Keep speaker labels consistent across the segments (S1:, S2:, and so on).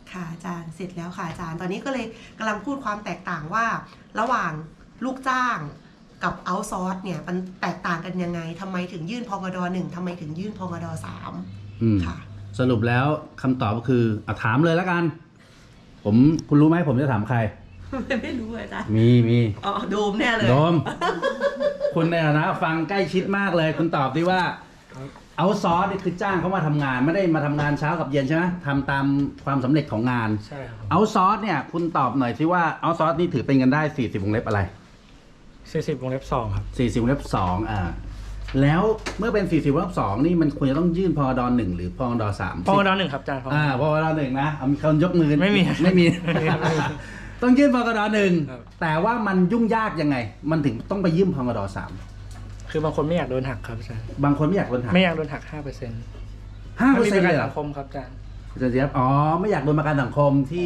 S1: ค่ะอาจารย์เสร็จแล้วค่ะอาจารย์ตอนนี้ก็เลยกำลังพูดความแตกต่างว่าระหว่างลูกจ้างกับเอาท์ซอร์สเนี่ยมันแตกต่างกันยังไงทำไมถึงยื่นพกด.1ทำไมถึงยื่นพกด.3ค่ะ
S2: สรุปแล้วคำตอบก็คือถามเลยแล้วกันคุณรู้ไหมผมจะถามใคร
S1: ไม่รู้อาจารย์
S2: มี
S1: อ๋อโดมแน่เลย
S2: โดม คุณในฐานะฟังใกล้ชิดมากเลยคุณตอบดิว่าเอาซอร์สนี่คือจ้างเขามาทำงานไม่ได้มาทำงานเช้ากับเย็นใช่ไหมทำตามความสำเร็จของงาน
S3: ใช่ครับ
S2: เอาซอร์สเนี่ยคุณตอบหน่อยสิว่าเอาซอร์สนี่ถือเป็นเงินได้40วงเล็บอะไร
S3: 40วงเล็บ2ครับ
S2: 40วงเล็บ2แล้วเมื่อเป็น40วงเล็บ2นี่มันควรจะต้องยื่นพกด.1หรือพกด.3
S3: พกด.1ครับอาจารย์
S2: พกด.1นะมีคนยกมือ
S3: ไม่มี
S2: ต้องยื่นพกด.1แต่ว่ามันยุ่งยากยังไงมันถึงต้องไปยื่นพกด.3
S3: คือบางคนไม่อยากโดนหักครับอาจารย์
S2: บางคนไม่อยากโดนหัก
S3: ไม่อยากโดนหัก 5%
S2: 5%เลยเหรอ
S3: สังคมครับอาจารย์
S2: ไม่อยากโดนประกันสังคมที่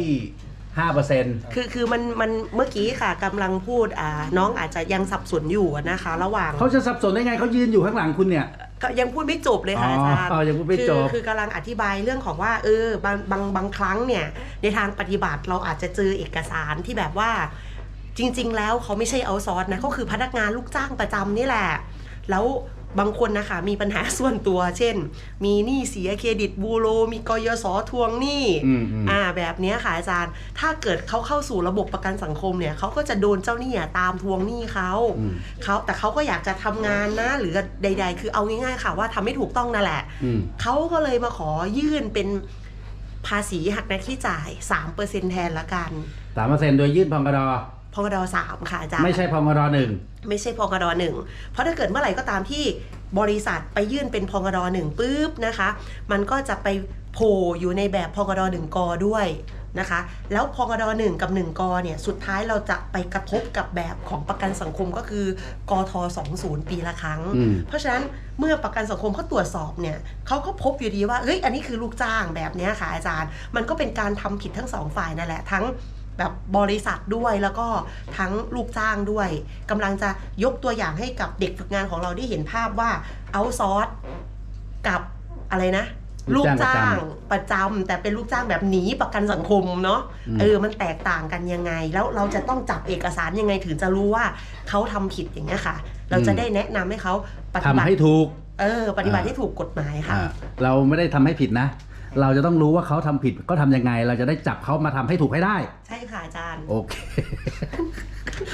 S2: 5%
S1: คือมันเมื่อกี้ค่ะกำลังพูดน้องอาจจะยังสับสนอยู่นะคะระหว่าง
S2: เขาจะสับสนได้ไงเขายืนอยู่ข้างหลังคุณเนี่ย
S1: ก็ยังพูดไม่จบเลยค่ะอาจารย์
S2: ยังพูดไม่จบ
S1: คือกำลังอธิบายเรื่องของว่าบางครั้งเนี่ยในทางปฏิบัติเราอาจจะเจอเอกสารที่แบบว่าจริงๆแล้วเขาไม่ใช่เอาท์ซอร์สนะเขาคือพนักงานลูกจ้างประจำนี่แหละแล้วบางคนนะคะมีปัญหาส่วนตัวเช่นมีหนี้เสียเครดิตบูโรมีกยศทวงหนี้แบบนี้ค่ะอาจารย์ถ้าเกิดเขาเข้าสู่ระบบประกันสังคมเนี่ยเขาก็จะโดนเจ้าหนี้ตามทวงหนี้เขาแต่เขาก็อยากจะทำงานนะหรือใดๆคือเอาง่ายๆค่ะว่าทำไม่ถูกต้องนั่นแหละเขาก็เลยมาขอยื่นเป็นภาษีหักหน้าที่จ่าย 3% แทนละกัน
S2: 3% โดยยื่นพก
S1: ด.3ค่ะอาจารย์
S2: ไม่ใช่พกด.1
S1: ไม่ใช่พกด.1เพราะถ้าเกิดเมื่อไหร่ก็ตามที่บริษัทไปยื่นเป็นพกด.1ปุ๊บนะคะมันก็จะไปโผล่อยู่ในแบบพกด.1 กด้วยนะคะแล้วพกด.1 กับ1 กเนี่ยสุดท้ายเราจะไปกระทบกับแบบของประกันสังคมก็คือกท20ปีละครั้งเพราะฉะนั้นเมื่อประกันสังคมเขาตรวจสอบเนี่ยเขาก็พบอยู่ดีว่าเฮ้ยอันนี้คือลูกจ้างแบบนี้ค่ะอาจารย์มันก็เป็นการทำผิดทั้งสองฝ่ายนั่นแหละทั้งแบบบริษัทด้วยแล้วก็ทั้งลูกจ้างด้วยกำลังจะยกตัวอย่างให้กับเด็กฝึกงานของเราได้เห็นภาพว่าเอาท์ซอร์สกับอะไรนะลูกจ้างประจำแต่เป็นลูกจ้างแบบหนีประกันสังคมเนาะมันแตกต่างกันยังไงแล้วเราจะต้องจับเอกสารยังไงถึงจะรู้ว่าเขาทำผิดอย่างนี้ค่ะเราจะได้แนะนำให้เขา
S2: ปฏิบัติให้ถูก
S1: ปฏิบัติให้ถูกกฎหมายค่ะ
S2: เราไม่ได้ทำให้ผิดนะเราจะต้องรู้ว่าเขาทำผิดก็ทำยังไงเราจะได้จับเขามาทำให้ถูกให้ได้
S1: ใช่ค่ะอาจารย์
S2: โอเค